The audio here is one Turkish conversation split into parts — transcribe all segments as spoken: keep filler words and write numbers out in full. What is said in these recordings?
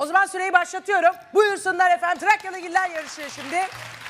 zaman süreyi başlatıyorum. Buyursunlar efendim. Trakyalıgiller yarışıyor şimdi.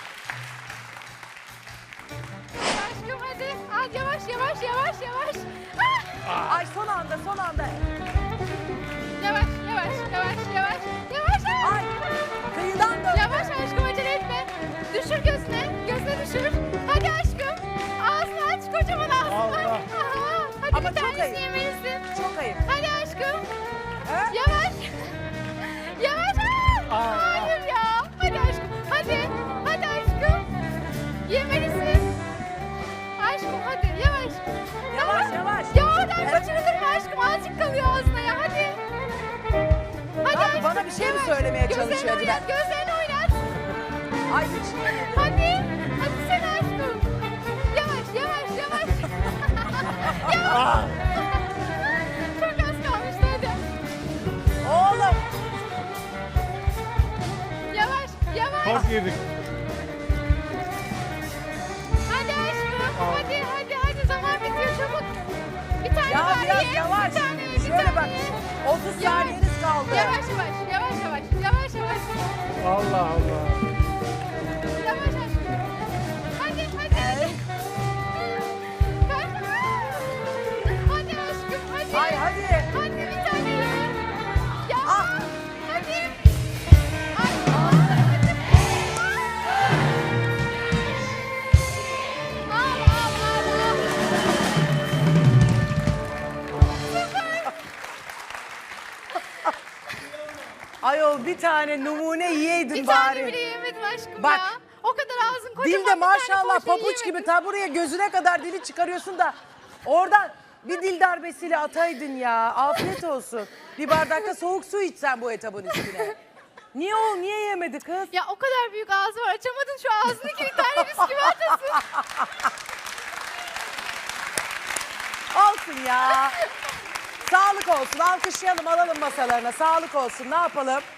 Aşkım hadi. Hadi yavaş yavaş yavaş yavaş. Ah! Ay son anda son anda. Yavaş yavaş yavaş yavaş. Yavaş. Ay kıyıdan dön. Yavaş aşkım acele etme. Düşür gözüne. Gözüne düşür. Hadi aşkım. Ağzını aç. Kocaman ağzını aç. Allah. Aha, hadi Ama bir çok tanesini ayıp. yemelisin. Çok ayıp. Hadi aşkım. Ha? Yavaş. Yavaş. Aa, Aa. hayır ya. Hadi aşkım. Hadi. Hadi aşkım. Yemelisin. Aşkım hadi yavaş. Yavaş yavaş. Ya oradan kaçırılır aşkım? Azıcık kalıyor ağzına ya hadi. Hadi Abi aşkım. bana bir şey mi yavaş. söylemeye Gözlerini çalışıyor Dilan? oynat, gözlerini oynat. Ay hiç yemedim. Hadi. Hadi sen aşkım. Yavaş yavaş yavaş. Yavaş. Çok az kalmıştı hadi. Oğlum. Yavaş yavaş. Çok yedik. Hadi aşkım. Hadi hadi hadi zaman bitiyor çabuk. Bir tane Ya var biraz ye. yavaş. Bir tane ye, bir Şöyle tane bak. ye. otuz Yavaş. saniyeniz kaldı. Yavaş yavaş yavaş yavaş yavaş yavaş. Allah Allah. Yavaş aşkım. Hadi hadi hadi. Kaç- Hadi aşkım hadi. Ay hadi. Hadi bir tane ye. Ya Ah. hadi. Ay, al al al al. Ayol bir tane numune yiyeydin Bir bari. tane bile yemedim aşkım Bak. ya. O kadar ağzın kocaman Dilde bir tane maşallah poğaça papuç gibi yemedim. ta buraya gözüne kadar dili çıkarıyorsun da oradan bir dil darbesiyle ataydın ya. Afiyet olsun. Bir bardakta soğuk su içsen bu etabın üstüne. Niye o niye yemedi kız? Ya o kadar büyük ağzı var açamadın şu ağzındaki bir tane bisküvi atasın. Olsun ya. Sağlık olsun. Alkışlayalım alalım masalarına. Sağlık olsun. Ne yapalım?